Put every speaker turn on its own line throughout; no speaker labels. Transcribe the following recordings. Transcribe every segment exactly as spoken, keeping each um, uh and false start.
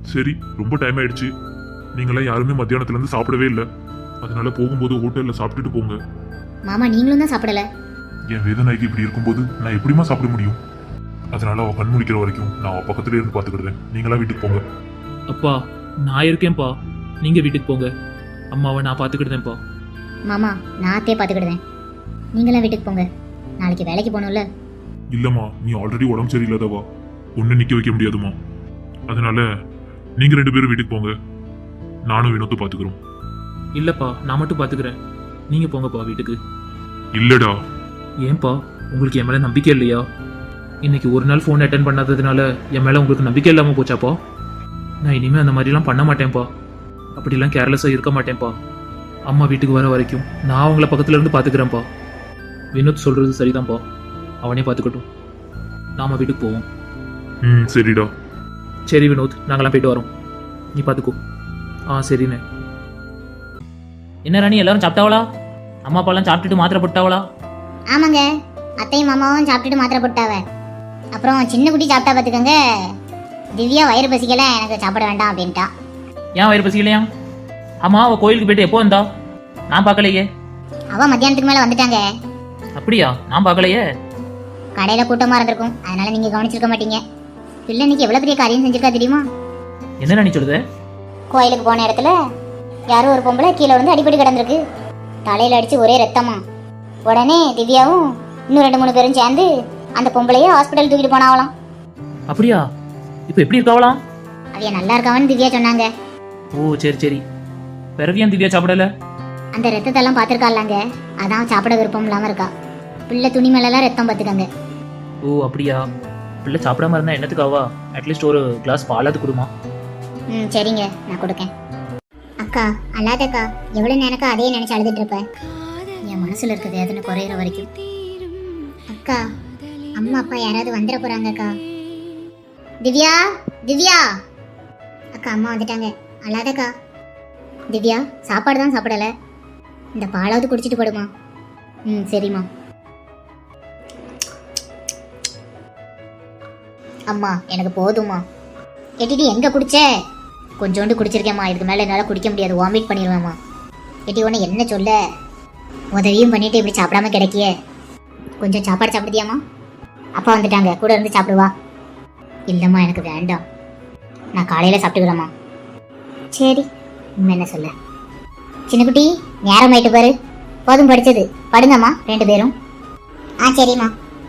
சரி, ரொம்ப டைம் ஆயிடுச்சு. நீங்களாம் யாருமே மத்தியானத்துல இருந்து சாப்பிடவே இல்லை. அதனால போகும்போது ஹோட்டல்ல சாப்பிட்டுட்டு போங்க.
மாமா நீங்களும் தான் சாப்பிடல.
என் வேதனைக்கு இப்படி இருக்கும்போது நான் எப்படிமா சாப்பிட முடியும்? அதனால அவ கண் முழிக்கிற வரைக்கும் நான் அவ பக்கத்துல இருந்து பாத்துக்கிடுறேன். நீங்களா வீட்டுக்கு போங்க.
அப்பா நான் இருக்கேன்ப்பா, நீங்க வீட்டுக்கு போங்க. அம்மாவை நான் பாத்துக்கிடுதேன்ப்பா.
மாமா நான் அத்தையே பாத்துக்கிடுவேன். நீங்களாம் வீட்டுக்கு போங்க. நாளைக்கு வேலைக்கு போகணும்ல.
இல்லம்மா, நீ ஆல்ரெடி உடம்பு சரியில்லாதவா, ஒன்னு நிக்க வைக்க முடியாதுமா. அதனால நீங்க ரெண்டு பேரும் வீட்டுக்கு போங்க. நானும் வினோத்தை பாத்துக்கிறோம்.
இல்லப்பா நான் மட்டும் பாத்துக்கிறேன், நீங்க போங்கப்பா வீட்டுக்கு.
இல்லடா.
ஏன்பா உங்களுக்கு என் மேல நம்பிக்கை இல்லையா? இன்னைக்கு ஒரு நாள் ஃபோன் அட்டன் பண்ணாததுனால என் மேல உங்களுக்கு நம்பிக்கை இல்லாம போச்சாப்பா? நான் இனிமே அந்த மாதிரிலாம் பண்ண மாட்டேன்ப்பா. அப்படிலாம் கேர்லெஸ்ஸாக இருக்க மாட்டேன்ப்பா. அம்மா வீட்டுக்கு வர வரைக்கும் நான் அவங்கள பக்கத்துல இருந்து பாத்துக்கிறேன்ப்பா. வினோத் சொல்றது சரிதான்ப்பா, அவனே பாத்துக்கட்டும். நாம வீட்டுக்கு போவோம்.
ம் சரிடா.
சரி வினோத், நாங்களாம் போயிட்டு வரோம், நீ பாத்துக்கோ. ஆ சரிண்ணே.
என்ன ராணி, எல்லாரும் சாப்பிட்டாவளா? அம்மா அப்பாலாம் சாப்பிட்டுட்டு மாத்திரை போட்டாவளா?
ஆமாங்க, அத்தையும் மாமாவும் சாப்பிட்டுட்டு மாத்திரை போட்டாவ. அப்புறம் சின்ன குட்டி சாப்பிட்டா பார்த்துக்கோங்க. திவ்யா வயிறு பசிக்கல, எனக்கு சாப்பிட வேண்டாம் அப்படின்ட்டா.
ஏன் வயிறு பசிக்கலையா? ஆமா, அவ கோயிலுக்கு போயிட்டு எப்போ வந்தா? நான் பார்க்கலையே.
அவ மத்தியானத்துக்கு மேல வந்துட்டாங்க.
அப்படியா? நான் பார்க்கலையே.
கடையில கூட்டமா இருந்திருக்கும், அதனால நீங்க கவனிச்சிருக்க மாட்டீங்க. பிள்ளை இன்னைக்கு எவ்வளவு பெரிய காரியம் செஞ்சிருக்கா தெரியுமா?
என்ன ராணி சொல்லுது?
கோயிலுக்கு போன இடத்துல யாரும் ஒரு பொம்பளை கீழே வந்து அடிபடி கிடந்திருக்கு. தலையில அடிச்சு ஒரே ரத்தமா. உடனே திவ்யாவும் இன்னும் ரெண்டு மூணு பேரும் சேர்ந்து அந்த பொம்பளைய ஹாஸ்பிட்டல் தூக்கிட்டு போனாவலாம்.
அப்படியா? இப்போ எப்படி இருக்காவலாம்?
அவைய நல்லா இருக்காவன்னு திவ்யா சொன்னாங்க.
ஓ சரி சரி. பிறவியான் திவ்யா சாப்பிடல?
அந்த ரத்தத்தெல்லாம் பார்த்துருக்காங்க, அதான் சாப்பிட விருப்பம் இல்லாம இருக்கா. பிள்ளை துணி மேலாம் ரத்தம் பார்த்துக்கங்க.
ஓ அப்படியா? பிள்ளை சாப்பிடாம இருந்தா என்னத்துக்காவா? அட்லீஸ்ட் ஒரு கிளாஸ் பாலாவது கொடுமா.
ம் சரிங்க, நான் கொடுக்கேன். அக்கா அல்லாதக்கா, எவ்வளவு நேரக்கா அதே நினைச்சு அழுதுட்டு இருப்பேன். என் மனசுல இருக்க வேதனை குறையிற வரைக்கும். அக்கா அம்மா அப்பா யாராவது வந்துட போறாங்கக்கா. திவ்யா, திவ்யா. அக்கா அம்மா வந்துட்டாங்க, அல்லாதக்கா. திவ்யா சாப்பாடு தான் சாப்பிடல, இந்த பாலாவது குடிச்சிட்டு போடுமா. ம் சரிம்மா. அம்மா எனக்கு போதுமா. எட்டிடி எங்க குடிச்ச? கொஞ்சோண்டு குடிச்சிருக்கேம்மா, இதுக்கு மேல என்னால குடிக்க முடியாது, வாமிட் பண்ணிடுவேம்மா. எட்டி ஒன்று என்ன சொல்ல, உதவியும் பண்ணிட்டு இப்படி சாப்பிடாம கிடைக்கிய. கொஞ்சம் சாப்பாடு சாப்பிடுதியாம்மா? அப்பா வந்துட்டாங்க, கூட இருந்து சாப்பிடுவா. இல்லைம்மா எனக்கு வேண்டாம், நான் காலையில் சாப்பிட்டுக்கிறேம்மா. சரி, இன்னும் என்ன சொல்ல. சின்னக்குட்டி நேரம் ஆயிட்டு பாரு, போதும் படிச்சது, படுங்கம்மா ரெண்டு பேரும். ஆ சரிம்மா.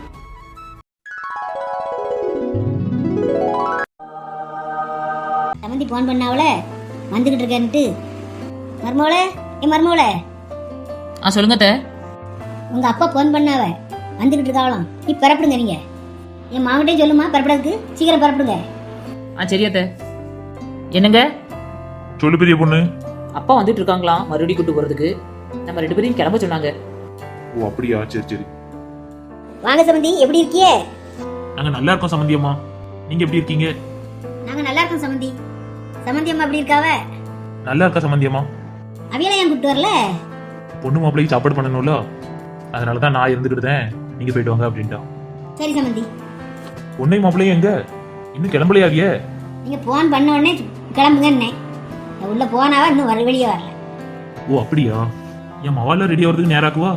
சமந்தி போன் பண்ணாவல வந்துகிட்டு இருக்கேன்ட்டு. மருமவளே, ஏ மருமவளே.
ஆ சொல்லுங்க அத்தை.
உங்க அப்பா போன் பண்ணாவ வந்துகிட்டு இருக்காவலாம், நீ பரப்பிடுங்க. நீங்க என் மாவட்டையும் சொல்லுமா பரப்பிடாதுக்கு, சீக்கிரம் பரப்பிடுங்க.
ஆ சரி அத்தை. என்னங்க?
சொல்லு பெரிய பொண்ணு.
அப்பா வந்துட்டு இருக்காங்களாம் மறுபடியும் கூட்டு போறதுக்கு. நம்ம ரெண்டு பேரையும் கிளம்ப சொன்னாங்க.
ஓ அப்படியா, சரி சரி.
வாங்க சமந்தி, எப்படி இருக்கியே?
நாங்க நல்லா இருக்கோம் சமந்தி அம்மா, நீங்க எப்படி இருக்கீங்க?
நாங்க நல்லா இருக்கோம் சமந்தி. சமந்தி அம்மா எப்படி இருக்காவ?
நல்லா இருக்கா சமந்தி அம்மா?
அவியலை ஏன் கூப்பிட்டு வரல?
பொண்ணு மாப்பிள்ளைக்கு சாப்பாடு பண்ணணும்ல, அதனாலதான் நான் இருந்துக்கிட்டேன், நீங்க போயிட்டு வாங்க அப்படின்ட்டா.
சரி சமந்தி.
பொண்ணை மாப்பிள்ளையும் எங்க இன்னும் கிளம்பலையாவிய?
நீங்க போன் பண்ண உடனே கிளம்புங்கன்னே, உள்ள போனாவா இன்னும் வர வெளியே வரல.
ஓ அப்படியா? என் மவால ரெடி ஆகிறதுக்கு நேராக்குவா?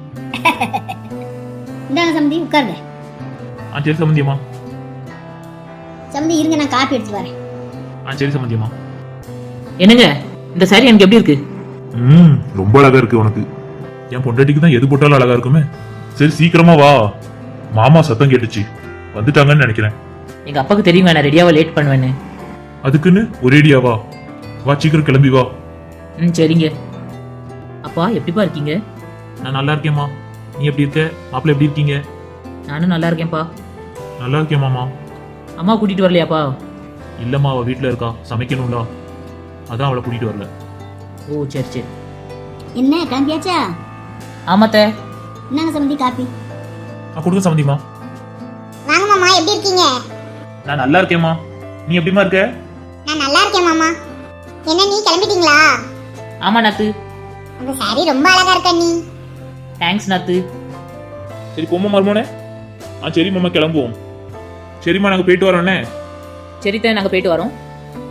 இந்தாங்க சமந்தி, உட்காருங்க.
ஆ சரி சமந்தி அம்மா.
சமந்தி இருங்க, நான் காப்பி எடுத்து வரேன்.
ஆ சரி சமந்தி அம்மா.
என்னங்க இந்த சாரி எனக்கு எப்படி இருக்கு?
ம் ரொம்ப அழகா இருக்கு உனக்கு. என் பொண்டாட்டிக்கு தான் எது போட்டாலும் அழகா இருக்குமே. சரி சீக்கிரமா வா, மாமா சத்தம் கேட்டுச்சு, வந்துட்டாங்கன்னு நினைக்கிறேன்.
எங்க அப்பாவுக்கு தெரியுங்க நான் ரெடியாவா லேட் பண்ணுவேன்னு.
அதுக்குன்னு ஒரேடியா வா, வா சீக்கிரம் கிளம்பி வா.
ம் சரிங்க. அப்பா எப்படிப்பா இருக்கீங்க?
நான் நல்லா இருக்கேம்மா, நீ எப்படி இருக்க? மாப்பிள்ளை எப்படி இருக்கீங்க?
நானும் நல்லா இருக்கேன்ப்பா.
நல்லா இருக்கேன் மாமா.
அம்மா கூட்டிட்டு வரலையாப்பா?
இல்லம்மா, அவ வீட்டுல இருக்கா, சமைக்கணும்டா, அதான் அவளை கூட்டிட்டு வரல.
ஓ சரி சரி.
என்ன கிளம்பியாச்சா?
ஆமாத்த.
என்னங்க சமந்தி காப்பி?
நான் கொடுக்க சமந்திமா.
வாங்க மாமா, எப்படி இருக்கீங்க?
நான் நல்லா இருக்கேம்மா, நீ எப்படிமா இருக்க?
நான் நல்லா இருக்கேன் மாமா. என்ன நீ கிளம்பிட்டீங்களா?
ஆமா நாத்து.
உங்க சாரி ரொம்ப அழகா இருக்க நீ.
தேங்க்ஸ் நாத்து.
சரி போமா மருமோனே. ஆ சரி மாமா கிளம்புவோம். சரிம்மா நாங்க போயிட்டு வரோண்ணே.
சரித்த நாங்க போயிட்டு வரோம்.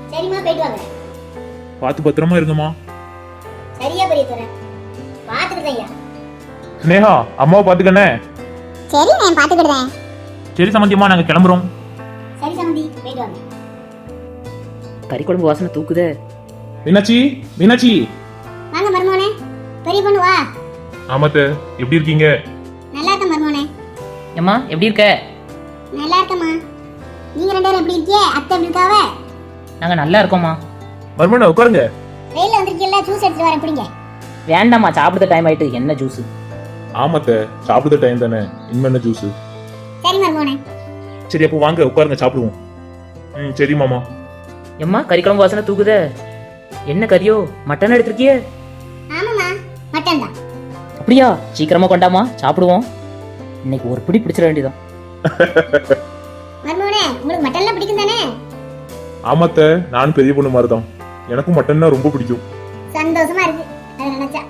சரிம்மா போயிட்டு வாங்க.
பார்த்து பத்திரமா இருங்கம்மா.
சரியா பெரிய துறை பாத்துக்கிட்டேன்.
ஸ்னேகா அம்மாவை பாத்துக்கண்ணே.
சரி நான் பாத்துக்கிட்டேன்.
சரி சம்மந்தியம்மா நாங்கள் கிளம்புறோம்.
சரி சம்பந்தி போயிட்டு வாங்க.
கறி குழம்பு வாசனை தூக்குதே.
மீனாட்சி மீனாட்சி.
வாங்க மருமோனே. பெரிய பொண்ணு வா.
ஆமாத்த எப்படி இருக்கீங்க?
நல்லா இருக்க மருமோனே.
ஏம்மா எப்படி இருக்க?
நல்லா இருக்கம்மா. நீங்க ரெண்டு பேரும் எப்படி இருக்கீங்க? அத்தை எப்படி இருக்காவ?
நாங்கள் நல்லா இருக்கோம்மா.
மர்மனா உட்காருங்க.
வெயில வந்திருக்கீல்ல ஜூஸ் எடுத்து வரேன் குடிங்க.
வேண்டாம்மா சாப்பிடுற டைம் ஆயிட்டு என்ன ஜூஸ்?
ஆமாத்த சாப்பிடுற டைம் தானே, இன்னும் என்ன ஜூஸ்?
சரி மருமோனே.
சரி அப்போ வாங்க உட்காருங்க சாப்பிடுவோம். ம் சரி மாமா.
ஏம்மா கறி குழம்பு வாசனை தூக்குதே. என்ன கறியோ மட்டன் எடுத்திருக்கியே?
ஆமாம்மா மட்டன் தான்.
அப்படியா? சீக்கிரமா கொண்டாமா சாப்பிடுவோம். இன்னைக்கு ஒரு பிடி பிடிச்சிட வேண்டியதான்.
மருமோனே உங்களுக்கு மட்டன்லாம் பிடிக்கும் தானே?
ஆமாத்த நானும் பெரிய பொண்ணு மாதிரி தான், எனக்கும் மட்டன்னா ரொம்ப பிடிக்கும்.
சந்தோஷமா இருக்கு அதை நினைச்சா.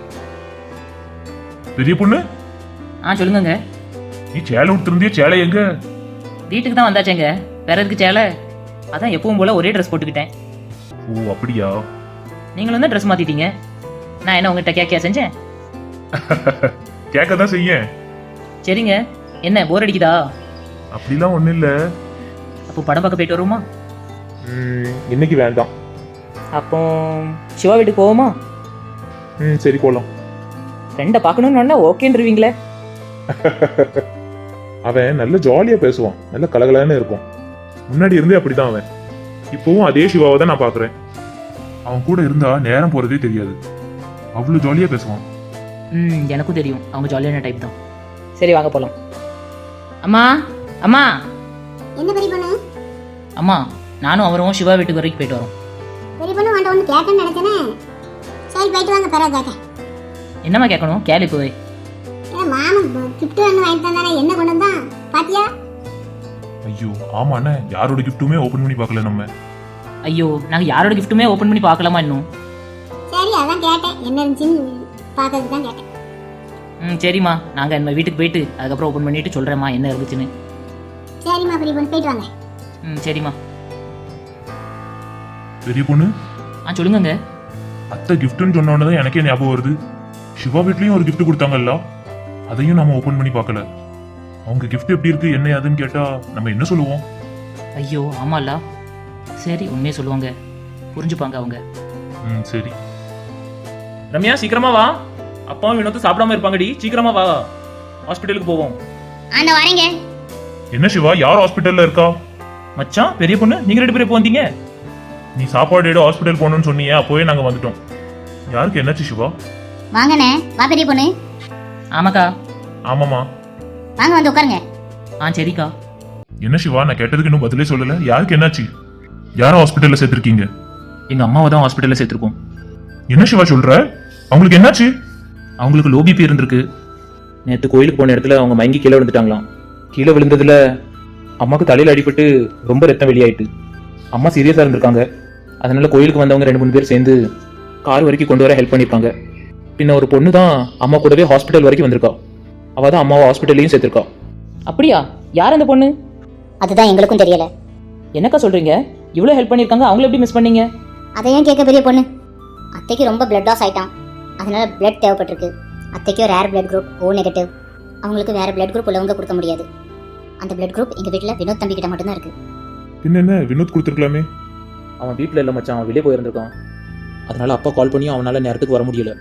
பெரிய பொண்ணு
ஆ சொல்லுங்கங்க.
நீ சேலை விட்டுருந்திய, சேலை எங்க?
வீட்டுக்கு தான் வந்தாச்சேங்க, வேற எதுக்கு சேலை? அதான் எப்பவும் போல ஒரே ட்ரெஸ் போட்டுக்கிட்டேன்.
ஓ அப்படியா?
நீங்களும் தான் ட்ரெஸ் மாத்திட்டீங்க. நான் என்ன உங்ககிட்ட கேட்க செஞ்சேன்?
கேட்க தான் செய்ய.
சரிங்க, என்ன போர் அடிக்குதா?
அப்படிலாம் ஒண்ணும் இல்ல.
அப்போ படம் பார்க்க போயிட்டு வருவோமா?
ம், இன்னைக்கு வேண்டாம்.
அப்போ சிவா வீட்டுக்கு போவோமா?
ம் சரி போலாம்.
ஃப்ரெண்டை பார்க்கணும்னு ஓகேன்றீங்களே.
அவன் நல்ல ஜாலியா பேசுவான், நல்ல கலகலன்னு இருக்கும். முன்னாடி இருந்தே அப்படிதான் அவன். இப்பவும் அதே சிவாவை தான் நான் பாக்குறேன். அவன் கூட இருந்தா நேரம் போறதே தெரியாது, அவ்வளவு ஜாலியா பேசுவான்.
ம் எனக்கும் தெரியும், அவங்க ஜாலியான டைப் தான். சரி வாங்க போகலாம். அம்மா அம்மா
என்ன பெரிய பொண்ணு?
அம்மா நானும் அவரும் சிவா வீட்டுக்கு வரைக்கும் போயிட்டு வரோம்.
பெரிய பொண்ணு வாண்ட ஒன்று கேட்கணும்னு நினைச்சேனே. சரி போயிட்டு வாங்க. பிறகு கேட்க.
என்னம்மா கேட்கணும்? கேளு போய்.
ஏன்னா மாமன் கிஃப்ட் ஒன்று வாங்கிட்டு வந்தானே, என்ன கொண்டு வந்தான் பாத்தியா?
ஐயோ ஆமாண்ணே, யாரோட கிஃப்ட்டுமே ஓபன் பண்ணி பார்க்கல நம்ம.
ஐயோ நாங்கள் யாரோட கிஃப்ட்டுமே ஓப்பன் பண்ணி பார்க்கலாமா இன்னும்?
சரி அதான் கேட்டேன், என்ன இருந்துச்சுன்னு பார்க்கறதுக்கு தான் கேட்டேன்.
ம் சரிம்மா, நாங்கள் நம்ம வீட்டுக்கு போயிட்டு அதுக்கப்புறம் ஓப்பன் பண்ணிட்டு சொல்கிறேம்மா என்ன இருந்துச்சுன்னு.
சரிம்மா பெரிய பொண்ணு போயிட்டு வாங்க.
ம் சரிம்மா.
பெரிய பொண்ணு
ஆ சொல்லுங்கங்க.
அத்தை கிஃப்ட்னு சொன்ன உடனே தான் எனக்கே ஞாபகம் வருது. சிவா வீட்லயும் ஒரு கிஃப்ட் கொடுத்தாங்கல்ல, அதையும் நாம ஓபன் பண்ணி பார்க்கல. அவங்க கிஃப்ட் எப்படி இருக்கு என்ன ஏதுன்னு கேட்டா நம்ம என்ன சொல்லுவோம்?
ஐயோ ஆமால்ல. சரி உண்மையே சொல்லுவாங்க, புரிஞ்சுப்பாங்க அவங்க.
ம் சரி.
ரம்யா சீக்கிரமா வா, அப்பாவும் வினோத்து சாப்பிடாம இருப்பாங்கடி, சீக்கிரமா வா, ஹாஸ்பிட்டலுக்கு போவோம்.
ஆண்ட வரேங்க.
என்ன சிவா, யார் ஹாஸ்பிட்டல்ல இருக்கா?
மச்சான் பெரிய பொண்ணு நீங்க ரெண்டு பேரும் எப்போ வந்தீங்க?
நீ சாப்பாடு எடு ஹாஸ்பிட்டல் போகணும்னு சொன்னியே, அப்போவே நாங்க வந்துட்டோம். யாருக்கு என்னாச்சு சிவா?
வாங்கண்ணே. வா பெரிய பொண்ணு.
ஆமாக்கா.
ஆமாமா.
வாங்க வந்து உட்காருங்க.
ஆ சரிக்கா.
என்ன சிவா, நான் கேட்டதுக்கு இன்னும் பதிலே சொல்லல. யாருக்கு என்னாச்சு? யாரும் ஹாஸ்பிட்டல்ல சேர்த்திருக்கீங்க?
எங்க அம்மாவை தான் ஹாஸ்பிட்டல்ல சேர்த்திருக்கோம்.
என்ன சிவா சொல்ற? அவங்களுக்கு என்னாச்சு?
அவங்களுக்கு லோ பிபி இருந்திருக்கு. நேற்று கோயிலுக்கு போன இடத்துல அவங்க மயங்கி கீழே விழுந்துட்டாங்களாம். கீழே விழுந்ததுல அம்மாவுக்கு தலையில அடிபட்டு ரொம்ப ரத்தம் வெளியாயிட்டு அம்மா சீரியஸா இருந்திருக்காங்க. அதனால கோயிலுக்கு வந்தவங்க ரெண்டு மூணு பேர் சேர்ந்து கார் வரைக்கும் கொண்டு வர ஹெல்ப் பண்ணியிருக்காங்க. பின்ன ஒரு பொண்ணு தான் அம்மா கூடவே ஹாஸ்பிட்டல் வரைக்கும் வந்திருக்கா. அவ தான் அம்மாவை ஹாஸ்பிட்டல்லையும் சேர்த்திருக்கா.
அப்படியா? யார் அந்த பொண்ணு?
அதுதான் எங்களுக்கும் தெரியல.
என்னக்கா சொல்றீங்க? இவ்வளோ ஹெல்ப் பண்ணியிருக்காங்க, அவங்கள எப்படி மிஸ் பண்ணீங்க?
அதையும் கேட்க பெரிய பொண்ணு. அத்தைக்கு ரொம்ப பிளட் லாஸ் ஆயிட்டான், அதனால பிளட் தேவைப்பட்டிருக்கு. அத்தைக்கும் rare blood group O negative. அவங்களுக்கு வேற பிளட் குரூப் உள்ளவங்க கொடுக்க முடியாது. அந்த பிளட் குரூப் எங்க வீட்டில் வினோத் தம்பி கிட்ட மட்டும்தான் இருக்கு.
பின்ன என்ன, வினோத் கொடுத்துருக்கலாமே.
அவன் வீட்டில் இல்லை மச்சான், அவன் வெளியே போயிருந்திருக்கான். அதனால அப்பா கால் பண்ணி அவனால நேரத்துக்கு வர முடியல.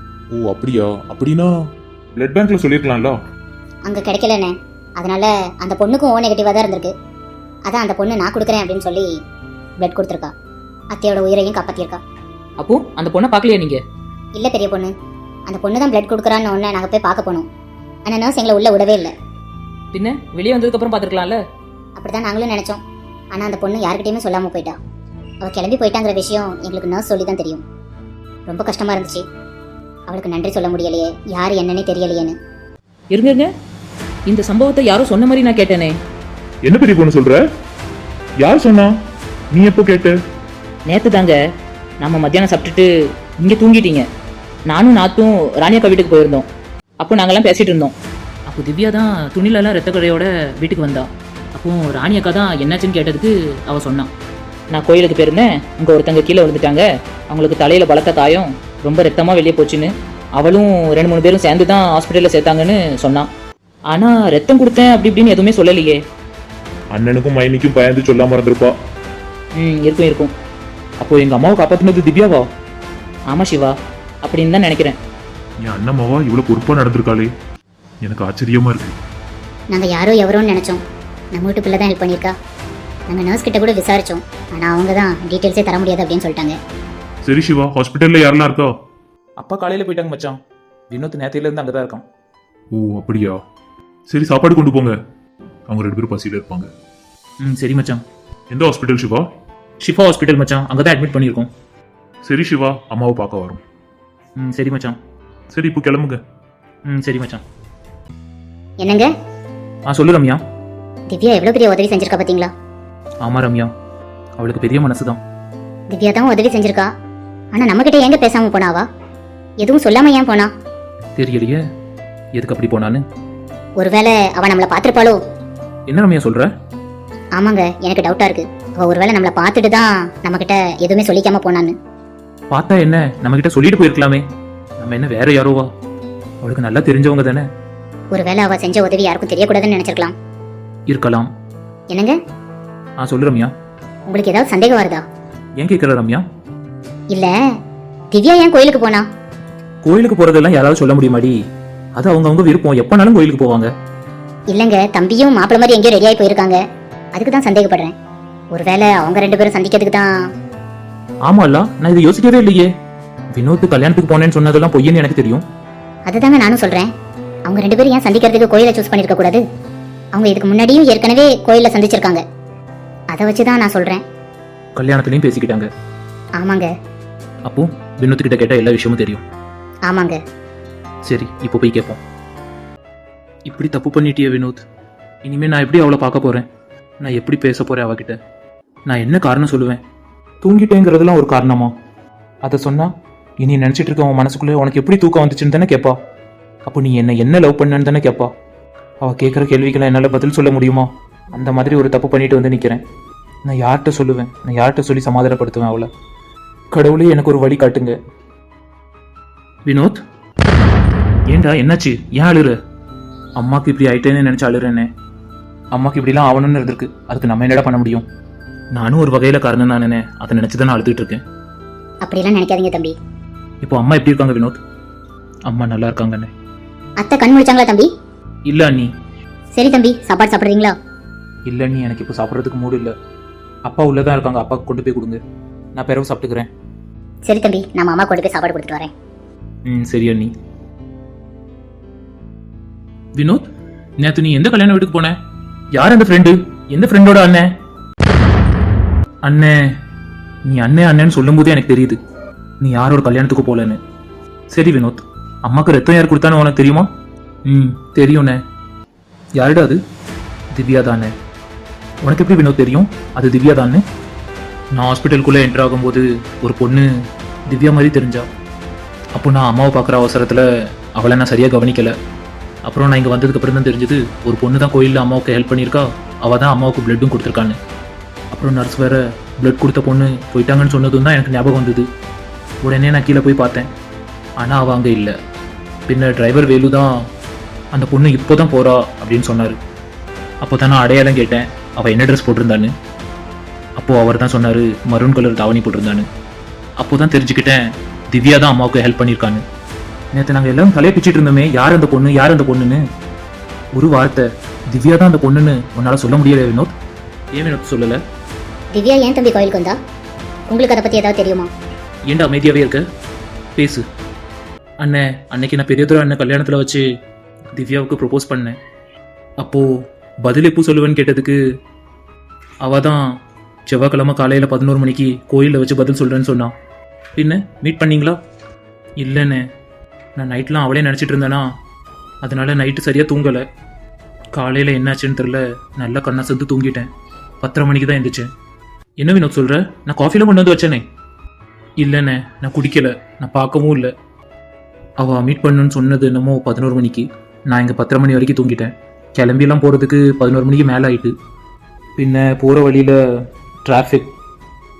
ஓ அப்படியா? அப்படின்னா பிளட் பேங்க்ல சொல்லிருக்கலாம்ல.
அங்க கிடைக்கலண்ணே, அதனால அந்த பொண்ணுக்கும் ஓ நெகட்டிவா தான் இருந்திருக்கு. அதான் அந்த பொண்ணு நான் கொடுக்குறேன் அப்படின்னு சொல்லி பிளட் கொடுத்துருக்கா. அத்தையோட உயிரையும் காப்பாத்திருக்கா.
அப்போ அந்த பொண்ணை பார்க்கலையா நீங்க?
இல்ல பெரிய பொண்ணு, அந்த பொண்ணு தான் பிளட் கொடுக்குறான்னு ஒன்று நாங்கள் போய் பார்க்க போனோம். ஆனால் நர்ஸ் எங்களை உள்ள விடவே இல்லை.
பின்ன வெளியே வந்ததுக்கு அப்புறம் பார்த்துருக்கலாம்ல.
அப்படிதான் நாங்களும் நினைச்சோம். ஆனால் அந்த பொண்ணு யார்கிட்டயுமே சொல்லாம போயிட்டா. அவள் கிளம்பி போயிட்டாங்கிற விஷயம் எங்களுக்கு நர்ஸ் சொல்லி தான் தெரியும். ரொம்ப கஷ்டமா இருந்துச்சு. அவளுக்கு நன்றி சொல்ல முடியலையே, யார் என்னன்னே தெரியலையேன்னு.
இருங்க இருங்க, இந்த சம்பவத்தை யாரும் சொன்ன மாதிரி நான் கேட்டேனே.
என்ன பெரிய பொண்ணு சொல்ற? யார் சொன்னா? நீ எப்போ கேட்ட?
நேற்று தாங்க, நம்ம மத்தியானம் சாப்பிட்டுட்டு இங்கே தூங்கிட்டீங்க. நானும் நாத்தும் ராணியக்கா வீட்டுக்கு போயிருந்தோம். அப்போ நாங்கெல்லாம் பேசிட்டு இருந்தோம். அப்போ திவ்யா தான் துணிலெல்லாம் ரத்த கடையோட வீட்டுக்கு வந்தா. அப்போ ராணியக்கா தான் என்னாச்சுன்னு கேட்டதுக்கு அவள் சொன்னான். நான் கோயிலுக்கு போயிருந்தேன், அங்கே ஒருத்தங்க கீழே விழுந்துட்டாங்க, அவங்களுக்கு தலையில் பலத்த காயம், ரொம்ப ரத்தமாக வெளியே போச்சுன்னு அவளும் ரெண்டு மூணு பேரும் சேர்ந்து தான் ஹாஸ்பிட்டலில் சேர்த்தாங்கன்னு சொன்னான். ஆனால் ரத்தம் கொடுத்தேன் அப்படி இப்படின்னு எதுவுமே சொல்லலையே.
அண்ணனுக்கும் மைனிக்கும் பயந்து சொல்லாம இருந்திருப்பா.
ம் இருக்கும் இருக்கும்.
அப்போ எங்க அம்மாவை காப்பாத்தினது திவ்யாவா?
ஆமாம் சிவா, அப்படின்னு தான் நினைக்கிறேன்.
என் அண்ணம்மாவா இவ்வளவு பொறுப்பா நடந்திருக்காளே, எனக்கு ஆச்சரியமா இருக்கு.
நாங்கள் யாரோ எவரோன்னு நினச்சோம். நம்ம வீட்டு பிள்ளை தான் ஹெல்ப் பண்ணியிருக்கா. நாங்கள் நர்ஸ் கிட்ட கூட விசாரித்தோம். ஆனால் அவங்க தான் டீட்டெயில்ஸே தர முடியாது அப்படின்னு சொல்லிட்டாங்க.
சரி சிவா, ஹாஸ்பிட்டல்ல யாரெல்லாம் இருக்கா?
அப்பா காலையில போயிட்டாங்க மச்சான். வினோத் நேத்தில இருந்து அங்கதான் இருக்கான்.
ஓ அப்படியா, சரி சாப்பாடு கொண்டு போங்க, அவங்க ரெண்டு பேரும் பசியில இருப்பாங்க.
ம் சரி மச்சான்.
எந்த ஹாஸ்பிட்டல் சிவா?
ஷிஃபா ஹாஸ்பிட்டல் மச்சான், அங்கதான் அட்மிட் பண்ணியிருக்கோம்.
சரி சிவா, அம்மாவை பார்க்க வரும்.
ம் சரி மச்சான்.
சரி இப்போ கிளம்புங்க.
ம் சரி மச்சான்.
என்னங்க,
ஆ சொல்லு ரம்யா.
திவ்யா எவ்வளோ பெரிய உதவி செஞ்சிருக்கா பார்த்தீங்களா?
ஆமா ரம்யா, அவளுக்கு பெரிய மனசுதான்.
திவ்யா தான் உதவி செஞ்சிருக்கா. ஆனால் நம்மக்கிட்ட ஏங்க பேசாமல் போனாவா? எதுவும் சொல்லாமல் ஏன் போனா?
தெரியலையே எதுக்கு அப்படி போனான்னு.
ஒருவேளை அவள் நம்மளை பார்த்துருப்பாளோ?
என்ன ரம்யா சொல்ற?
ஆமாங்க, எனக்கு டவுட்டாக இருக்கு. அவள் ஒருவேளை நம்மளை பார்த்துட்டு தான் நம்மக்கிட்ட எதுவுமே சொல்லிக்காம போனான்னு.
பார்த்தா என்ன, நம்ம கிட்ட சொல்லிட்டு போயிருக்கலாமே. நம்ம என்ன வேற யாரோவா? அவளுக்கு நல்லா தெரிஞ்சவங்க தானே.
ஒருவேளை அவள் செஞ்ச உதவி யாருக்கும் தெரியக்கூடாதுன்னு நினச்சிருக்கலாம்.
இருக்கலாம்.
என்னங்க,
ஆ சொல்லு ரம்யா.
உங்களுக்கு ஏதாவது சந்தேகம் வருதா?
ஏன் கேட்கற ரம்யா?
இல்லை, திவ்யா ஏன் கோயிலுக்கு போனா?
கோயிலுக்கு போறதெல்லாம் யாராவது சொல்ல முடியுமாடி? அது அவங்க அவங்க விருப்பம், எப்பனாலும் கோயிலுக்கு போவாங்க.
இல்லைங்க, தம்பியும் மாப்பிள்ள மாதிரி எங்கேயோ ரெடியாகி போயிருக்காங்க. அதுக்கு தான் சந்தேகப்படுறேன். ஒருவேளை அவங்க ரெண்டு பேரும் சந்திக்கிறதுக்கு தான்.
ஆமால்ல, நான் இதை யோசிக்கவே இல்லையே. வினோத் கல்யாணத்துக்கு போனேன்னு சொன்னதெல்லாம் பொய்யன்னு எனக்கு தெரியும்.
அதுதாங்க நானும் சொல்றேன். அவங்க ரெண்டு பேரும் ஏன் சந்திக்கிறதுக்கு கோயிலை சூஸ் பண்ணிருக்க கூடாது? அவங்க இதுக்கு முன்னாடியும் ஏற்கனவே கோயிலில் சந்திச்சிருக்காங்க. அதை வச்சு தான் நான் சொல்றேன்.
கல்யாணத்துலயும் பேசிக்கிட்டாங்க.
ஆமாங்க.
அப்போ வினோத் கிட்ட கேட்ட எல்லா விஷயமும் தெரியும்.
ஆமாங்க.
சரி இப்போ போய் கேட்போம். இப்படி தப்பு பண்ணிட்டியே வினோத், இனிமே நான் எப்படி அவளை பார்க்க போறேன்? நான் எப்படி பேச போறேன் அவகிட்ட? நான் என்ன காரணம் சொல்லுவேன்? தூங்கிட்டேங்கிறதுலாம் ஒரு காரணமா? அதை சொன்னா இனி நினைச்சிட்டு இருக்க உன் மனசுக்குள்ளே உனக்கு எப்படி தூக்கம் வந்துச்சுன்னு தானே கேட்பா. அப்போ நீ என்ன என்ன லவ் பண்ணன்னு தானே கேட்பா. அவ கேட்குற கேள்விக்கெல்லாம் என்னால் பதில் சொல்ல முடியுமா? அந்த மாதிரி ஒரு தப்பு பண்ணிட்டு வந்து நிற்கிறேன். நான் யார்கிட்ட சொல்லுவேன்? நான் யார்கிட்ட சொல்லி சமாதானப்படுத்துவேன் அவளை? கடவுளே எனக்கு ஒரு வழி காட்டுங்க. வினோத், ஏண்டா என்னாச்சு? ஏன் அழுற? அம்மாக்கு இப்படி ஆயிட்டேன்னு நினைச்சு அழுறேனே. அம்மாக்கு இப்படிலாம் ஆகணும்னு இருந்திருக்கு, அதுக்கு நம்ம என்னடா பண்ண முடியும்? நானும் ஒரு வகையில காரணம் தானே, அதை நினைச்சுதான் நான் அழுதுட்டு இருக்கேன்.
அப்படிலாம் நினைக்காதீங்க தம்பி.
இப்போ அம்மா எப்படி இருக்காங்க வினோத்? அம்மா நல்லா இருக்காங்கண்ணே.
அத்தை கண் முழிச்சாங்களா தம்பி?
இல்ல அண்ணி.
சரி தம்பி, சாப்பாடு சாப்பிட்றீங்களா?
இல்ல அண்ணி, எனக்கு இப்போ சாப்பிட்றதுக்கு மூடு இல்லை. அப்பா உள்ளதான் இருக்காங்க, அப்பாவுக்கு கொண்டு போய் கொடுங்க, நான் பிறகு சாப்பிட்டுக்கிறேன்.
சரி தம்பி, நான் அம்மா கொண்டு போய் சாப்பாடு கொடுத்துட்டு வரேன்.
ம் சரி அண்ணி. வினோத், நேத்து நீ எந்த கல்யாண வீட்டுக்கு போன? யார் அந்த ஃப்ரெண்டு? எந்த ஃப்ரெண்டோட அண்ணன்? அண்ணே, நீ அண்ணே அண்ணன்னு சொல்லும் போதே எனக்கு தெரியுது நீ யாரோட கல்யாணத்துக்கு போலன்னு. சரி வினோத், அம்மாக்கு ரத்தம் யார் கொடுத்தான்னு உனக்கு தெரியுமா? ம் தெரியும்ண்ணே. யாருடா அது? திவ்யா தானே. உனக்கு எப்படி வினோத் தெரியும் அது திவ்யா தானே? நான் ஹாஸ்பிட்டலுக்குள்ளே என்டர் ஆகும்போது ஒரு பொண்ணு திவ்யா மாதிரி தெரிஞ்சா. அப்போ நான் அம்மாவை பார்க்குற அவசரத்தில் அவளை நான் சரியாக கவனிக்கலை. அப்புறம் நான் இங்கே வந்ததுக்கு அப்புறம் தான் தெரிஞ்சது ஒரு பொண்ணு தான் கோயிலில் அம்மாவுக்கு ஹெல்ப் பண்ணியிருக்கா, அவள் தான் அம்மாவுக்கு பிளட்டும் கொடுத்துருக்கான்னு. அப்புறம் நர்ஸ் வேற பிளட் கொடுத்த பொண்ணு போயிட்டாங்கன்னு சொன்னதும் தான் எனக்கு ஞாபகம் வந்தது. உடனே நான் கீழே போய் பார்த்தேன், ஆனால் அவள் அங்கே இல்லை. பின்ன டிரைவர் வேலு தான் அந்த பொண்ணு இப்போ தான் போகிறா அப்படின்னு சொன்னார். அப்போ தான் நான் அடையாளம் கேட்டேன், அவள் என்ன ட்ரெஸ் போட்டிருந்தான்னு. அப்போது அவர் தான் சொன்னார் மரூன் கலர் தாவணி போட்டிருந்தான்னு. அப்போ தான் தெரிஞ்சுக்கிட்டேன் திவ்யா தான் அம்மாவுக்கு ஹெல்ப் பண்ணியிருக்கான்னு. நேற்று நாங்கள் எல்லாரும் தலையை பிச்சுட்டு இருந்தோமே, யார் அந்த பொண்ணு யார் அந்த பொண்ணுன்னு. ஒரு வார்த்தை திவ்யா தான் அந்த பொண்ணுன்னு உன்னால் சொல்ல முடியல வினோத். ஏன் வினோத் சொல்லலை?
திவ்யா ஏன் தம்பி கோயிலுக்கு வந்தா? உங்களுக்கு அதை பற்றி ஏதாவது தெரியுமா?
ஏன்டா அமைதியாகவே இருக்க? பேசு. அண்ணே, அன்னைக்கு நான் பெரியதுரை அண்ணன் கல்யாணத்தில் வச்சு திவ்யாவுக்கு ப்ரொப்போஸ் பண்ணேன். அப்போது பதில் எப்போ சொல்லுவேன்னு கேட்டதுக்கு அவள் தான் செவ்வாய்க்கிழமை காலையில் பதினோரு மணிக்கு கோயிலில் வச்சு பதில் சொல்கிறேன்னு சொன்னான். பின்ன மீட் பண்ணீங்களா? இல்லைண்ணே, நான் நைட்லாம் அவளே நினச்சிட்டு இருந்தேனா, அதனால நைட்டு சரியாக தூங்கலை. காலையில் என்னாச்சுன்னு தெரில, நல்லா கண்ணா சந்து தூங்கிட்டேன். பத்தரை மணிக்கு தான் எழுந்திரிச்சேன். என்ன வினோத் சொல்கிற? நான் காஃபிலாம் கொண்டு வந்து வச்சேனே. இல்லைண்ணே, நான் குடிக்கலை, நான் பார்க்கவும் இல்லை. அவள் மீட் பண்ணுன்னு சொன்னது என்னமோ பதினோரு மணிக்கு. நான் இங்கே பத்தரை மணி வரைக்கும் தூங்கிட்டேன். கிளம்பியெல்லாம் போகிறதுக்கு பதினோரு மணிக்கு மேலே ஆயிட்டு. பின்ன போகிற வழியில் டிராஃபிக்,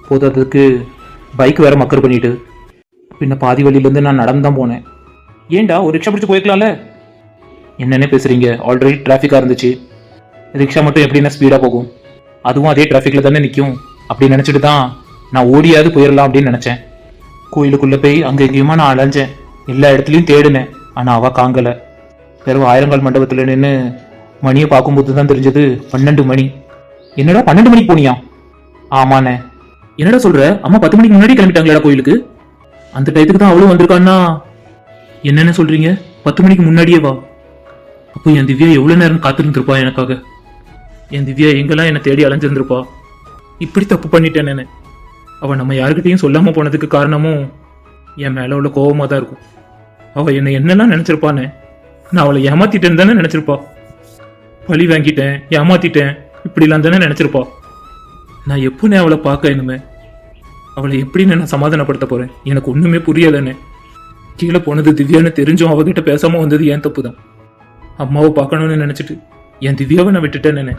போதாததுக்கு பைக் வேற மக்கர் பண்ணிட்டு பின்ன பாதி வழியிலேருந்து நான் நடந்து தான் போனேன். ஏன்டா ஒரு ரிக்ஷா பிடிச்சி போயிருக்கலாம்ல? என்னென்ன பேசுறீங்க? ஆல்ரெடி டிராஃபிக்காக இருந்துச்சு. ரிக்ஷா மட்டும் எப்படின்னா ஸ்பீடாக போகும், அதுவும் அதே டிராஃபிக்கில் தானே நிற்கும். அப்படி நினச்சிட்டு தான் நான் ஓடியாவது போயிடலாம் அப்படின்னு நினச்சேன். கோயிலுக்குள்ளே போய் அங்கே எங்கேயுமா நான் அலைஞ்சேன், எல்லா இடத்துலையும் தேடினேன். ஆனால் அவள் காங்கலை. வெறும் ஆயிரங்கால் மண்டபத்தில் நின்று மணியை பார்க்கும்போது தான் தெரிஞ்சது பன்னெண்டு மணி. என்னடா பன்னெண்டு மணிக்கு போனியா? ஆமாண்ணே. என்னடா சொல்ற? அம்மா பத்து மணிக்கு முன்னாடி கிளம்பிட்டாங்களா கோயிலுக்கு? அந்த டயத்துக்கு தான் அவளும் வந்திருக்கான்னா? என்னென்ன சொல்றீங்க? பத்து மணிக்கு முன்னாடியே வா. அப்போ என் திவ்யா எவ்வளவு நேரம் காத்திருந்திருப்பா எனக்காக. என் திவ்யா எங்கெல்லாம் என்னை தேடி அலைஞ்சிருந்திருப்பா. இப்படி தப்பு பண்ணிட்டேன் நானு. அவ நம்ம யாருக்கிட்டையும் சொல்லாம போனதுக்கு காரணமும் என் மேல உள்ள கோவமா தான் இருக்கும். அவ என்னை என்னெல்லாம் நினைச்சிருப்பான்னு. நான் அவளை ஏமாத்திட்டேன்னு தானே நினைச்சிருப்பா. பழி வாங்கிட்டேன், ஏமாத்திட்டேன், இப்படிலாம் தானே நினைச்சிருப்பா. நான் எப்போ நான் அவளை பார்க்க இனிமே அவளை எப்படி நான் சமாதானப்படுத்த போறேன்? எனக்கு ஒண்ணுமே புரியலன்னு. கீழே போனது திவ்யான்னு தெரிஞ்சும் அவகிட்ட பேசாம வந்தது ஏன் தப்பு தான். அம்மாவை பார்க்கணும்னு நினைச்சிட்டு என் திவ்யாவை நான் விட்டுட்டேன்னு.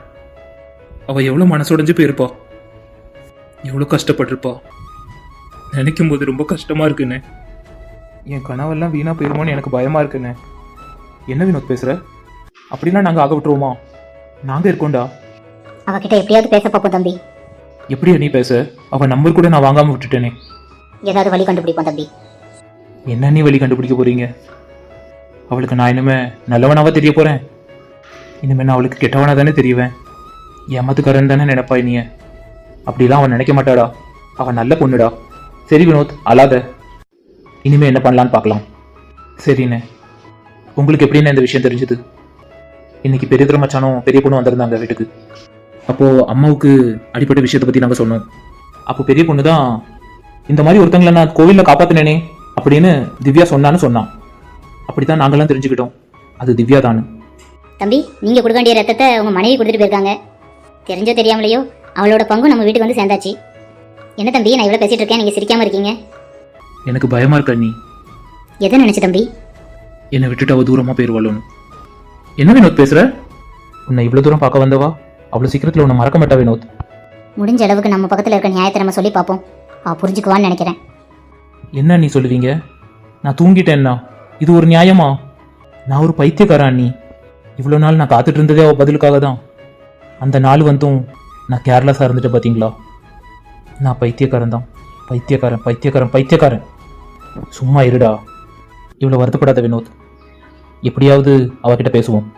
அவ எவ்வளவு மனசுடைஞ்சு போயிருப்பா, எவ்வளவு கஷ்டப்பட்டிருப்பா. நினைக்கும் போது ரொம்ப கஷ்டமா இருக்குன்னு. என் கனவெல்லாம் வீணா போயிருமோன்னு எனக்கு பயமா இருக்குன்னு. என்ன வினோத் பேசுற? அப்படின்னா நாங்க ஆக விட்டுருவோமா? நாங்க இருக்கோண்டா.
அவகிட்ட எப்படியாவது பேச பார்ப்போம் தம்பி.
எப்படியா நீ பேச? அவ நம்பர் கூட நான் வாங்காம விட்டுட்டேனே.
ஏதாவது வழி கண்டுபிடிப்போம் தம்பி.
என்ன நீ வழி கண்டுபிடிக்க போறீங்க? அவளுக்கு நான் இனிமே நல்லவனாவா தெரிய போறேன்? இனிமே நான் அவளுக்கு கெட்டவனா தானே தெரியுவேன். ஏமாத்துக்காரன் தானே நினைப்பா நீ. அப்படிலாம் அவன் நினைக்க மாட்டாடா. அவன் நல்ல பொண்ணுடா. சரி வினோத், அழாத. இனிமே என்ன பண்ணலான்னு பார்க்கலாம். சரிண்ணே. உங்களுக்கு எப்படின்னு இந்த விஷயம் தெரிஞ்சது? இன்னைக்கு பெரிய திருமச்சானும் பெரிய பொண்ணு வந்திருந்தாங்க வீட்டுக்கு. அப்போ அம்மாவுக்கு அடிப்பட்ட விஷயத்தை பத்தி நாங்க சொன்னோம். அப்போ பெரிய பொண்ணு தான் இந்த மாதிரி ஒருத்தங்களை நான் கோவில்ல காப்பாத்தினேனே அப்படின்னு திவ்யா சொன்னான்னு சொன்னான். அப்படித்தான் நாங்கெல்லாம் தெரிஞ்சுக்கிட்டோம் அது திவ்யா தானு.
தம்பி, நீங்க கொடுக்க வேண்டிய ரத்தத்தை உங்க மனைவி கொடுத்துட்டு போயிருக்காங்க. தெரிஞ்சோ தெரியாமலையோ அவளோட பங்கு நம்ம வீட்டுக்கு வந்து சேர்ந்தாச்சு. என்ன தம்பி, நான் இவ்வளவு பேசிட்டு இருக்கேன், நீங்க சிரிக்காம இருக்கீங்க?
எனக்கு பயமா இருக்க நீ.
எதை நினைச்சு தம்பி?
என்னை விட்டுட்டு அவ தூரமா போயிருவாளோன்னு. என்ன வினோத் பேசுற? உன்னை இவ்வளவு தூரம் பார்க்க வந்தவா அவ்வளவு சீக்கிரத்துல உன்னை மறக்க மாட்டா வினோத்.
முடிஞ்ச அளவுக்கு நம்ம பக்கத்துல இருக்க நியாயத்தை நம்ம சொல்லி பார்ப்போம். அவ புரிஞ்சுக்குவான்னு நினைக்கிறேன்.
என்ன நீ சொல்லுவீங்க? நான் தூங்கிட்டேன்னா இது ஒரு நியாயமா? நான் ஒரு பைத்தியக்காரன் நீ. இவ்வளோ நாள் நான் காத்துட்டு இருந்ததே அவள் பதிலுக்காக தான். அந்த நாள் வந்தும் நான் கேர்லெஸ்ஸாக இருந்துட்டு பார்த்தீங்களா? நான் பைத்தியக்காரன் தான். பைத்தியக்காரன் பைத்தியக்காரன் பைத்தியக்காரன். சும்மா இருடா. இவ்வளோ வருத்தப்படாத வினோத். எப்படியாவது அவகிட்ட பேசுவோம்.